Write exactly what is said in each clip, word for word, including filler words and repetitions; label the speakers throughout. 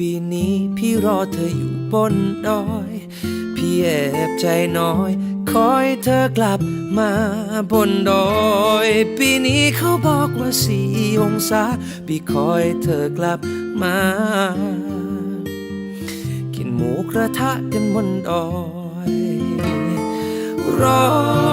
Speaker 1: ปีนี้พี่รอเธออยู่บนดอยพี่แอบใจน้อยคอยเธอกลับมาบนดอยปีนี้เขาบอกว่าสี่องศาพี่คอยเธอกลับมากินหมูกระทะกันบนดอยรอ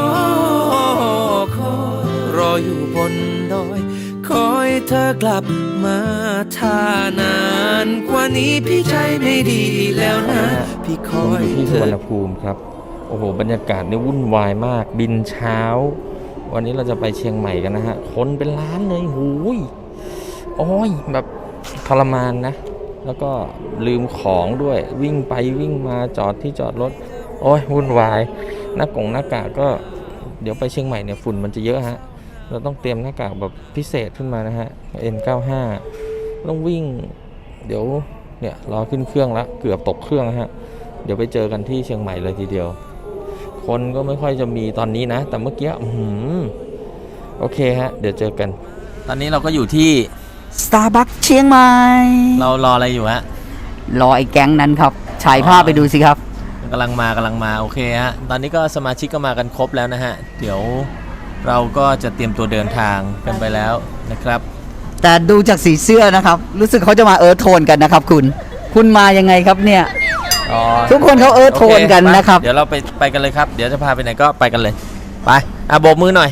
Speaker 1: คอยรออยู่บนดอยคอยเธอกลับมาถ้านานกว่านี้พี่ใจไม่ดีแล้วนะพี่คอย
Speaker 2: ที่
Speaker 1: เธอ
Speaker 2: สุวรรณภูมิครับโอ้โหบรรยากาศนี่วุ่นวายมากบินเช้าวันนี้เราจะไปเชียงใหม่กันนะฮะคนเป็นล้านเลยหูยโอ้ยแบบทรมานนะแล้วก็ลืมของด้วยวิ่งไปวิ่งมาจอดที่จอดรถโอ้ยวุ่นวายหน้ากงหน้ากากก็เดี๋ยวไปเชียงใหม่เนี่ยฝุ่นมันจะเยอะฮะเราต้องเตรียมหน้ากากแบบพิเศษขึ้นมานะฮะ เอ็น เก้าสิบห้า ต้องวิ่งเดี๋ยวเนี่ยรอขึ้นเครื่องแล้วเกือบตกเครื่องฮะเดี๋ยวไปเจอกันที่เชียงใหม่เลยทีเดียวคนก็ไม่ค่อยจะมีตอนนี้นะแต่เมื่อกี้อืมโอเคฮะเดี๋ยวเจอกันตอนนี้เราก็อยู่ที่
Speaker 3: Starbucks เชียงใหม่
Speaker 2: เรารออะไรอยู่ฮะ
Speaker 3: รอไอ้แก๊งนั้นครับฉายภาพไปดูสิครับ
Speaker 2: กำลังมากำลังมาโอเคฮะตอนนี้ก็สมาชิกก็มากันครบแล้วนะฮะเดี๋ยวเราก็จะเตรียมตัวเดินทางกันไปแล้วนะครับ
Speaker 3: แต่ดูจากสีเสื้อนะครับรู้สึกเขาจะมาเอิร์ธโทนกันนะครับคุณคุณมายังไงครับเนี่ยทุกคนเขาเอิร์ธโทนกันนะครับ
Speaker 2: เดี๋ยวเราไปไปกันเลยครับเดี๋ยวจะพาไปไหนก็ไปกันเลยไปอ่ะโบกมือหน่อย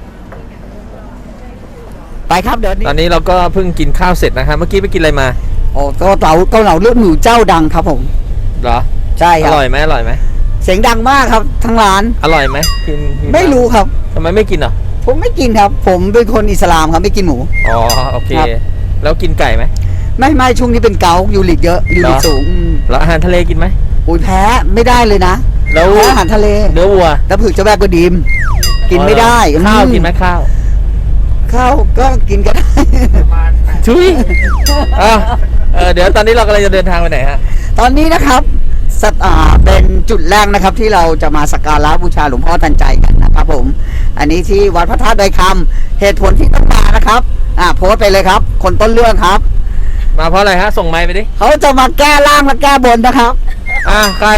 Speaker 3: ไปครับเดี๋ยวนี้
Speaker 2: ตอนนี้เราก็เพิ่งกินข้าวเสร็จนะฮะเมื่อกี้ไปกินอะไรมา
Speaker 3: โอ้เกาเหลาเกาเหลาเลือดหมูเจ้าดังครับผม
Speaker 2: เหรอ
Speaker 3: ใช่ครับ
Speaker 2: อร่อยไหมอร่อยไหม
Speaker 3: เสียงดังมากครับทั้งร้าน
Speaker 2: อร่อยไหมกิน
Speaker 3: ไม่รู้ครับ
Speaker 2: ทำไมไม่กินอ่ะ
Speaker 3: ผมไม่กินครับผมเป็นคนอิสลามครับไม่กินหมู
Speaker 2: อ๋อโอเคแล้วกินไก่ไหม
Speaker 3: ไม่ไม่ช่วงนี้เป็นเกาต์ยูริกเยอะยูริกสูง
Speaker 2: แล้วอาหารทะเลกินไหม
Speaker 3: อุ้ยแพ้ไม่ได้เลยนะ
Speaker 2: แล้ว
Speaker 3: แพ้อาหารทะเล
Speaker 2: เนื้อวัว
Speaker 3: แล้วผือเจ้าแบกก็ดีมกินไม่ได้
Speaker 2: ข้าวกินไหมข้าว
Speaker 3: ข้าวก็กินก็ได้
Speaker 2: ชุยอ่ะเออเดี๋ยวตอนนี้เรากำลังจะเดินทางไปไหนฮะ
Speaker 3: ตอนนี้นะครับสัตอ่าเป็นจุดแรกนะครับที่เราจะมาสักการะบูชาหลวงพ่อทันใจกันนะครับผมอันนี้ที่วัดพระธาตุดอยคำเหตุผลที่ต้องมานะครับอ่าโพสต์ไปเลยครับคนต้นเรื่องครับ
Speaker 2: มาเพราะอะไรฮะส่งไมค์ไปดิ
Speaker 3: เขาจะมาแก้ล่างและแก้บนนะครับ
Speaker 2: อ่ะใคร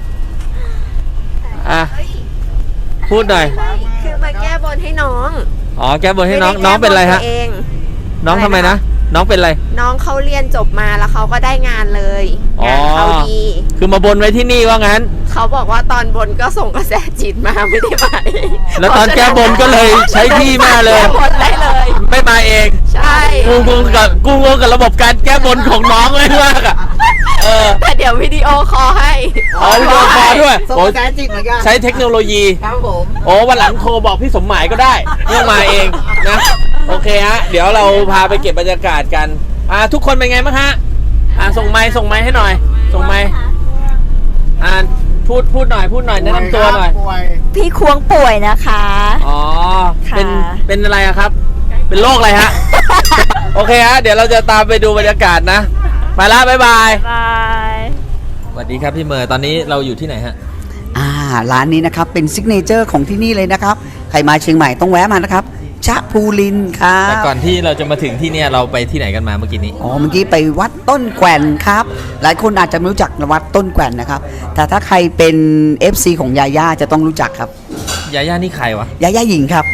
Speaker 2: อ่ะพูดหน่อย
Speaker 4: คือมาแก้บนให้น้อง
Speaker 2: อ๋อแก้บนให้น้องน้องเป็นอะไรฮะน้องทำไมนะน้องเป็นอะไร
Speaker 4: น้องเขาเรียนจบมาแล้วเขาก็ได้งานเลยงานเขาดี
Speaker 2: คือมาบนไว้ที่นี่ว่างั้น
Speaker 4: เขาบอกว่าตอนบนก็ส่งกระแสจิตมาไม่ได้มาเอง
Speaker 2: แล้วตอนแก้บนก็เลยใช้ที่มาเลย
Speaker 4: แก้บนได้เลย
Speaker 2: ไม่มาเอง
Speaker 4: ใช่
Speaker 2: กูงงกับกูงงกับระบบการแก้บนของน้องเลยมากอ่ะเออ
Speaker 4: แต่เดี๋ยววิดีโอคอลให้
Speaker 2: อ๋อวิดีโอคอลด้วย
Speaker 3: ส่งกระแสจิตเหมือนกัน
Speaker 2: ใช้เทคโนโลยี
Speaker 3: ครับผม
Speaker 2: โอ้วันหลังโทรบอกพี่สมหมายก็ได้เรื่องมาเองนะโอเคฮะเดี๋ยวเราพาไปเก็บบรรยากาศกันอ่าทุกคนเป็นไงบ้างฮะอ่าส่งไมค์ส่งไมค์ให้หน่อยส่งไมค์อ่าพูดพูดหน่อยพูดหน่อยแนะนำตัวหน่อย
Speaker 4: พี่ควงป่วยนะคะ
Speaker 2: อ๋อเป็นเป็นอะไรอะครับเป็นโรคอะไรฮะ โอเคฮะเดี๋ยวเราจะตามไปดูบรรยากาศนะไปละบ๊ายบาย
Speaker 4: บาย
Speaker 2: สวัสดีครับพี่เมย์ตอนนี้เราอยู่ที่ไหนฮะ
Speaker 3: อ่าร้านนี้นะครับเป็นซิกเนเจอร์ของที่นี่เลยนะครับใครมาเชียงใหม่ต้องแวะมานะครับชะพูลินครับ
Speaker 2: แต่ก่อนที่เราจะมาถึงที่เนี่ยเราไปที่ไหนกันมาเมื่อกี้นี้
Speaker 3: อ๋อเมื่อกี้ไปวัดต้นแกว่นครับหลายคนอาจจะไม่รู้จักวัดต้นแกว่นนะครับแต่ถ้าใครเป็น เอฟ ซี ของยาย่าจะต้องรู้จักครับ
Speaker 2: ยาย่านี่ใครวะ
Speaker 3: ยาย่าหญิงครับ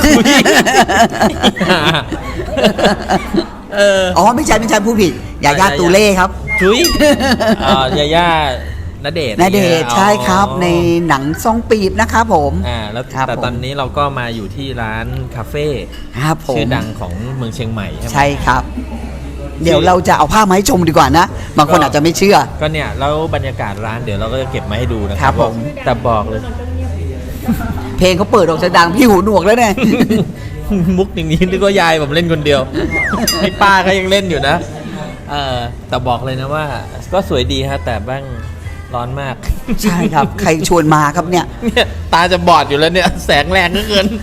Speaker 2: เออ
Speaker 3: อ๋อไม่ใช่ไม่ใช่ผู้ผิดยาย่าตูเล่ครับ
Speaker 2: จุ้ยอ่ายาย่าณเดชน์
Speaker 3: ณเดชน์ใช่ครับในหนังซองปีบนะครับผม
Speaker 2: อ่าแล้วแต่ตอนนี้เราก็มาอยู่ที่ร้านคาเฟ่ชื่อดังของเมืองเชียงใหม่ใช่ไหม
Speaker 3: ใช่ครับเดี๋ยวเราจะเอาภาพมาให้ชมดีกว่านะบางคนอาจจะไม่เชื่อ
Speaker 2: ก็เนี่ยแล้วบรรยากาศร้านเดี๋ยวเราก็จะเก็บมาให้ดูนะครับ
Speaker 3: ผม
Speaker 2: แต่บอกเลย
Speaker 3: เพลงเขาเปิดออกจะดังพี่หูหนวกแล้วเนี่ย
Speaker 2: มุกอย่างนี้นึกว่ายายผมเล่นคนเดียวไอ้ป้าก็ยังเล่นอยู่นะเออแต่บอกเลยนะว่าก็สวยดีฮะแต่บ้างร้อนมาก
Speaker 3: ใช่ครับใครชวนมาครับเนี่ย
Speaker 2: เนี่ยตาจะบอดอยู่แล้วเนี่ยแสงแรงเหลือเกิน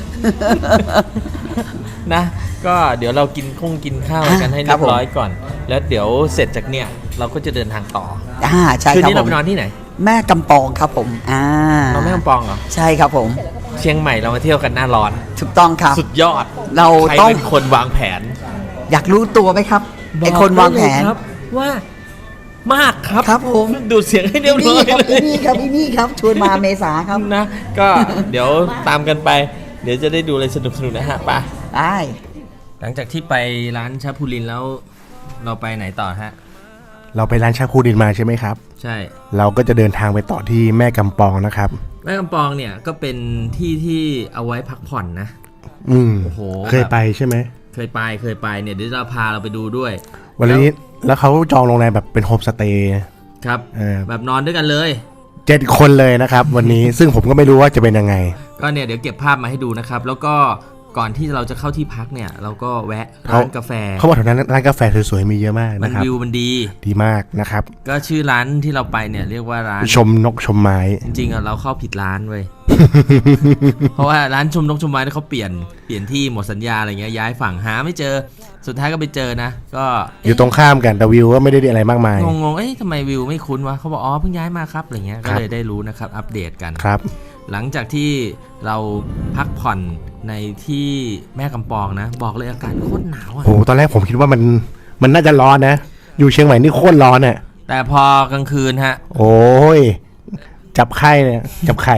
Speaker 2: นะก็เดี๋ยวเรากินคงกินข้าวกันให้เรียบร้อยก่อนแล้วเดี๋ยวเสร็จจากเนี่ยเราก็จะเดินทางต่อ
Speaker 3: อ่าใช่ครับ
Speaker 2: คืนนี้เราไปนอนที่ไหน
Speaker 3: แม่กำปองครับผมอ่า
Speaker 2: เราแม่กำปองเหรอ
Speaker 3: ใช่ครับผม
Speaker 2: เชียงใหม่เรามาเที่ยวกันหน้าร้อน
Speaker 3: ถูกต้องครับ
Speaker 2: สุดยอด
Speaker 3: เราต้อง
Speaker 2: เป็นคนวางแผน
Speaker 3: อยากรู้ตัวไหมครับไอคนวางแผน
Speaker 2: ว่ามากครับ
Speaker 3: ครับผม
Speaker 2: ดูดเสียงให้เรียบร้อย
Speaker 3: ครับ
Speaker 2: เล
Speaker 3: อี
Speaker 2: ย
Speaker 3: นี่ครับอีนี่ครับชวนมาเมษาครับ
Speaker 2: นะก็เดี๋ยวตามกันไป เดี๋ยวจะได้ดูอะไรสนุกสนุกๆนะฮะไป
Speaker 3: ได้
Speaker 2: หลังจากที่ไปร้านชาพูลินแล้วเราไปไหนต่อฮะ
Speaker 5: เราไปร้านชาคูดินมาใช่ไหมครับ
Speaker 2: ใช่
Speaker 5: เราก็จะเดินทางไปต่อที่แม่กำปองนะครับ
Speaker 2: แม่กำปองเนี่ยก็เป็นที่ที่เอาไว้พักผ่อนนะ
Speaker 5: อืม
Speaker 2: โอ้โห
Speaker 5: เคยไปใช่ไหม
Speaker 2: เคยไปเคยไปเนี่ยเดี๋ยวจะพาเราไปดูด้วย
Speaker 5: วันนี้แล้วเขาจองโรงแรมแบบเป็นโฮมสเตย์
Speaker 2: ครับ
Speaker 5: เออ
Speaker 2: แบบนอนด้วยกันเลย
Speaker 5: เจ็ดคนเลยนะครับ วันนี้ ซึ่งผมก็ไม่รู้ว่าจะเป็นยังไง
Speaker 2: ก็เนี่ยเดี๋ยวเก็บภาพมาให้ดูนะครับ แล้วก็ก่อนที่เราจะเข้าที่พักเนี่ยเราก็แวะร้านกาแฟ
Speaker 5: เขาบอกแถวนั้นร้านกาแฟสวยๆมีเยอะมาก
Speaker 2: มัน
Speaker 5: นะครับ
Speaker 2: วิวมันดี
Speaker 5: ดีมากนะครับ
Speaker 2: ก็ชื่อร้านที่เราไปเนี่ยเรียกว่าร้าน
Speaker 5: ชมนกชมไม้
Speaker 2: จริงๆอ่ะเราเข้าผิดร้านเว้ย เพราะว่าร้านชมนกชมไม้เนี่ยเขาเปลี่ยนเปลี่ยนที่หมดสัญญาอะไรเงี้ยย้ายฝั่งหาไม่เจอสุดท้ายก็ไปเจอนะ ก็
Speaker 5: อยู่ตรงข้ามกันแต่วิวก็ไม่ได้ดีอะไรมากมาย
Speaker 2: งงๆเอ๊ะทำไมวิวไม่คุ้นวะเขาบอกอ๋อเพิ่งย้ายมาครับอะไรเงี้ย
Speaker 5: ค
Speaker 2: ก็
Speaker 5: รับ
Speaker 2: เลยได้รู้นะครับอัปเดตกัน
Speaker 5: ครับ
Speaker 2: หลังจากที่เราพักผ่อนในที่แม่กำปองนะ บอกเลยอากาศโคตรหนาวอ่ะ
Speaker 5: โหตอนแรกผมคิดว่ามันมันน่าจะร้อนนะ อยู่เชียงใหม่นี่โคตรร้อนอ่ะ
Speaker 2: แต่พอกลางคืนฮะ
Speaker 5: โอ้ยจับไข่เนี่ยจับไข่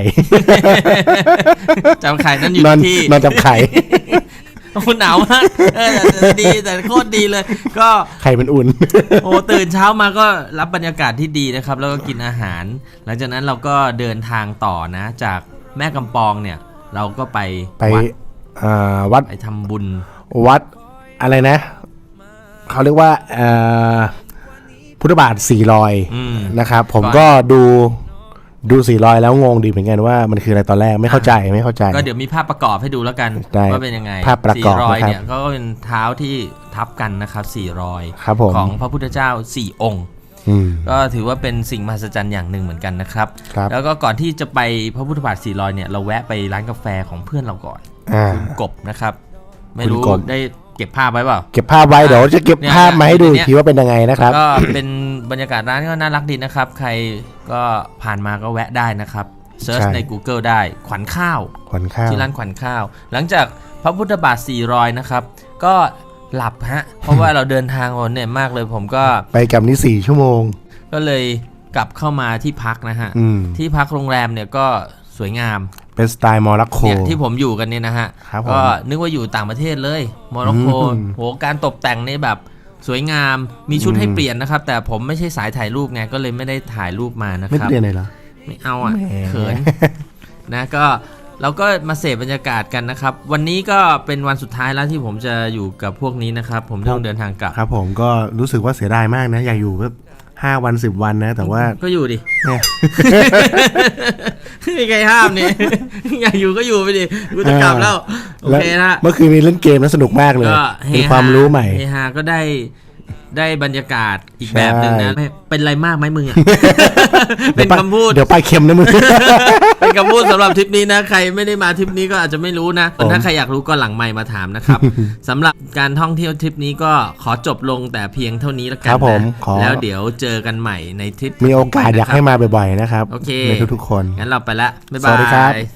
Speaker 2: จำไข่นั่นอยู่
Speaker 5: นอน
Speaker 2: ที่
Speaker 5: นอนจับไข่
Speaker 2: โอ้หนาวมากเออแต่ดีแต่โคตรดีเลย ก็
Speaker 5: ไข่มันอุ่น
Speaker 2: โอ้ตื่นเช้ามาก็รับบรรยากาศที่ดีนะครับ แล้วก็กินอาหาร หลังจากนั้นเราก็เดินทางต่อนะ จากแม่กำปองเนี่ย เราก็ไป
Speaker 5: ไป
Speaker 2: วัด
Speaker 5: อ่าวัด
Speaker 2: ไปทำบุญ
Speaker 5: วัดอะไรนะ เขาเรียกว่าเอ่อพุทธบาทสี่รอย
Speaker 2: อืม
Speaker 5: นะครับ ผม
Speaker 2: ก่อน
Speaker 5: ก็ดูดูสี่รอยแล้วงงดีเหมือนกันว่ามันคืออะไรตอนแรกไม่เข้าใจไม่เข้าใจ
Speaker 2: ก็เดี๋ยวมีภาพประกอบให้ดูแล้วกัน
Speaker 5: ได้
Speaker 2: ว่าเป็นยังไง
Speaker 5: ภาพประกอบ
Speaker 2: สี่รอย
Speaker 5: นะครับ
Speaker 2: เนี่ยก็เป็นเท้าที่ทับกันนะครับสี่รอย
Speaker 5: ครับผม
Speaker 2: ของพระพุทธเจ้าสี่องค์
Speaker 5: อืม
Speaker 2: ก็ถือว่าเป็นสิ่งมหัศจรรย์อย่างหนึ่งเหมือนกันนะครับ
Speaker 5: ครับ
Speaker 2: แล้วก็ก่อนที่จะไปพระพุทธบาทสี่รอยเนี่ยเราแวะไปร้านกาแฟของเพื่อนเราก่อน
Speaker 5: อ่า
Speaker 2: คุณกบนะครับ ไม่รู้
Speaker 5: คุณกบ
Speaker 2: ได้เก็บภาพไว้เปล่า
Speaker 5: เก็บภาพไว้เดี๋ยวจะเก็บ
Speaker 2: เนี่ย
Speaker 5: ภาพมาให้ดู
Speaker 2: เนี่ย
Speaker 5: อีกทีว่าเป็นยังไงนะครับ
Speaker 2: ก็เป็นบรรยากาศร้านก็น่ารักดีนะครับ ใครก็ผ่านมาก็แวะได้นะครับเซิร์ช
Speaker 5: ใช่
Speaker 2: ใน Google ได้ขวัญข้าว
Speaker 5: ขวัญข้าว
Speaker 2: ที่ร้านขวัญข้าว หลังจากพระพุทธบาทสี่รอยนะครับ ก็หลับฮะ เพราะว่าเราเดินทางวันเนี่ยมากเลยผมก็
Speaker 5: ไปกับนี่สี่ชั่วโมง
Speaker 2: ก็เลยกลับเข้ามาที่พักนะฮะ
Speaker 5: อืม
Speaker 2: ที่พักโรงแรมเนี่ยก็สวยงาม
Speaker 5: เป็นสไตล์มอร็อกโก
Speaker 2: เนี่ยที่ผมอยู่กันเนี่ยนะฮะ
Speaker 5: ครับผม
Speaker 2: ก็นึกว่าอยู่ต่างประเทศเลยโมร็อกโก
Speaker 5: อืม
Speaker 2: โหการตกแต่งนี่แบบสวยงามมีชุด
Speaker 5: อืม
Speaker 2: ให้เปลี่ยนนะครับ แต่ผมไม่ใช่สายถ่ายรูปไงก็เลยไม่ได้ถ่ายรูปมานะ
Speaker 5: ไม่
Speaker 2: ครับ
Speaker 5: เรียนเลยเหรอ
Speaker 2: ไม่เอาอ่ะ
Speaker 5: แหม
Speaker 2: เขิน นะก็เราก็มาเสพบรรยากาศกันนะครับ วันนี้ก็เป็นวันสุดท้ายแล้วที่ผมจะอยู่กับพวกนี้นะครับ ผมต้องเดินทางกลับ
Speaker 5: ครับผมก็รู้สึกว่าเสียดายมากนะ อยากอยู่แบบห้าวันสิบวันนะ แต่ว่า
Speaker 2: ก็อยู่ดิ
Speaker 5: เนี่ย
Speaker 2: ไม่มีใครห้ามนี่ อยากอยู่ก็อยู่ไปดิกูจะกลับแล้ว โอเคนะ
Speaker 5: เมื่อคืนมีเล่นเกมแล้วสนุกมากเลย
Speaker 2: ก็เฮ
Speaker 5: เป็น
Speaker 2: ฮา
Speaker 5: ความรู้ใหม่
Speaker 2: เฮฮาก็ได้ได้บรรยากาศอีก
Speaker 5: ใช่
Speaker 2: แบบหนึ่งนะไม่เป็นไรมากไหมมึงอ่ะ เป็นคำพูด
Speaker 5: เดี๋ยวไปลายเค็มนะมึง
Speaker 2: เป็นคำพูดสำหรับทริปนี้นะ ใครไม่ได้มาทริปนี้ก็อาจจะไม่รู้นะ
Speaker 5: ผม
Speaker 2: ถ้าใครอยากรู้ก็หลังไมค์มาถามนะครับ สำหรับการท่องเที่ยวทริปนี้ก็ขอจบลงแต่เพียงเท่านี้แล้วกั
Speaker 5: คน รับผม
Speaker 2: นะ
Speaker 5: ขอ
Speaker 2: แล้วเดี๋ยวเจอกันใหม่ในทริป
Speaker 5: มีโอกาสอยากให้มาบ่อยๆนะครับ
Speaker 2: โอเค
Speaker 5: ในทุกๆคน
Speaker 2: งั้นเราไปละบ๊ายบา
Speaker 5: สวัสดีครับ
Speaker 2: ย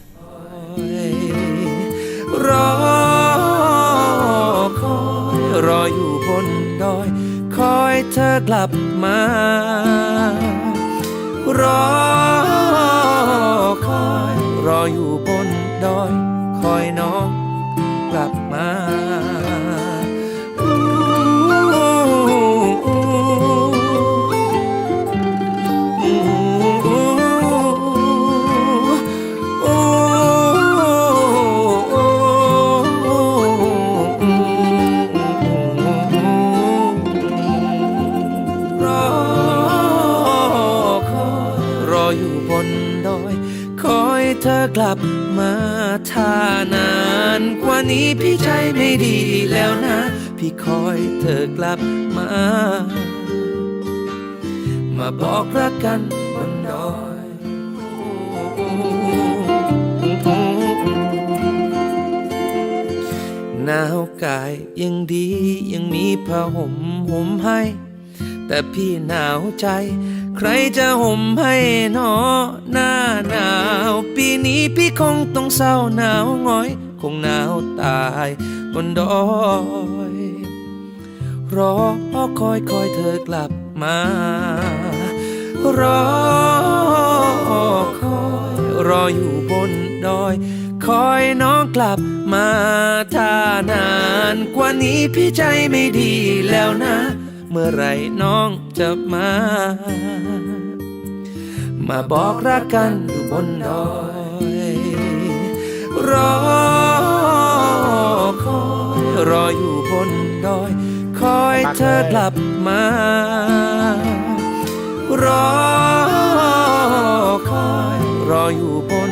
Speaker 1: รอคอยรออยู่บนดอย คอยเธอกลับมา รอคอยรออยู่บนดอย คอยน้องกลับมาเธอกลับมาถ้านานกว่านี้พี่ใจไม่ดีแล้วนะ พี่คอยเธอกลับมา มาบอกรักกันบนดอยหนาวกายยังดียังมีผ้าห่มห่มให้ แต่พี่หนาวใจใครจะห่มให้หนอหน้าหนาวปีนี้พี่คงต้องเศร้าหนาวหงอยคงหนาวตายบนดอยรอคอยคอยเธอกลับมา รอคอยรออยู่บนดอย คอยน้องกลับมาถ้านานกว่านี้พี่ใจไม่ดีแล้วนะ เมื่อไหรน้องจะมา มาบอกรักกันอยู่บนดอย รอคอยรออยู่บนดอย คอยเธอกลับมา รอคอยรออยู่บน